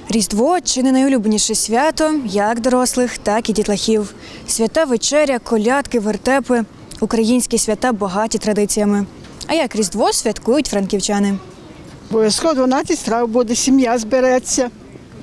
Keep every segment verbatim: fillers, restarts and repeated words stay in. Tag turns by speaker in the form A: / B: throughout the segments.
A: Різдво – чи не найулюбленіше свято як дорослих, так і дітлахів. Свята вечеря, колядки, вертепи – українські свята багаті традиціями. А як Різдво святкують франківчани?
B: Обов'язково дванадцять страв буде, сім'я збереться.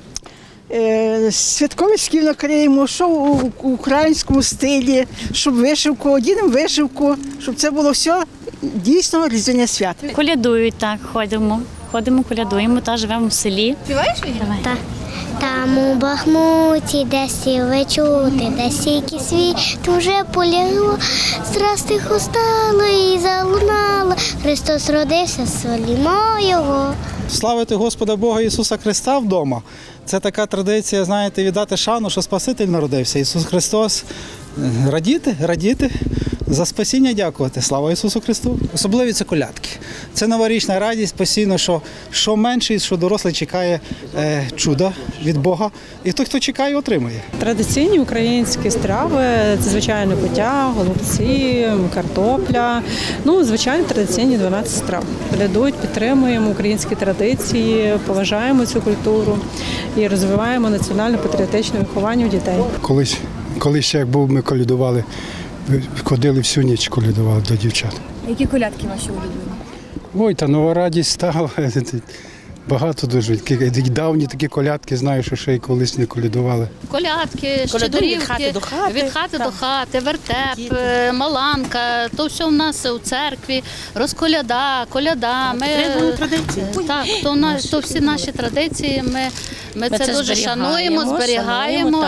B: Е, Святковий шкіл накриємо, що у українському стилі, щоб вишивку, одінемо вишивку, щоб це було все дійсно різдвяне свято.
C: Колядують, так, ходимо. Ходимо, колядуємо та живемо в селі.
D: Співаєш її?
C: Так.
E: Там у Бахмуті, де сіли чути, де сіки світ уже полягло, страсти устало і залунало, Христос родився, солімо Його.
F: Славити Господа Бога Ісуса Христа вдома – це така традиція, знаєте, віддати шану, що Спаситель народився. Ісус Христос. Радіти, радіти, за спасіння дякувати. Слава Ісусу Христу. Особливі це колядки. Це новорічна радість постійно, що, що менший, що дорослий чекає е, чуда від Бога. І той, хто чекає, отримує.
G: Традиційні українські страви – це, звичайно, кутя, голубці, картопля. Ну, звичайно, традиційні дванадцять страв. Колядують, підтримуємо українські традиції, поважаємо цю культуру і розвиваємо національно-патріотичне виховання у дітей.
H: Колись, колись ще як був, ми колядували, ходили всю ніч, колядували до дівчат.
A: Які колядки ваші улюблені?
H: Ой, та нова радість стала. Багато дуже. Давні такі колядки, знаю, що ще й колись не колядували.
I: Колядки, щедрівки, від хати до хати, від хати до хати, вертеп, маланка, то все в нас у церкві, розколяда, коляда. Ми,
D: традиції.
I: так, то, на, то всі наші традиції, ми, ми,
C: Ми
I: це,
C: це
I: дуже
C: зберігаємо,
I: шануємо, зберігаємо.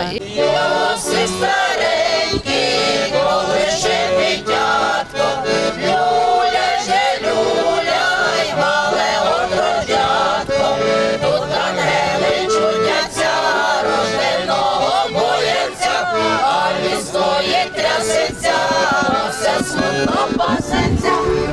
J: Трясеться, все смутно пасеться.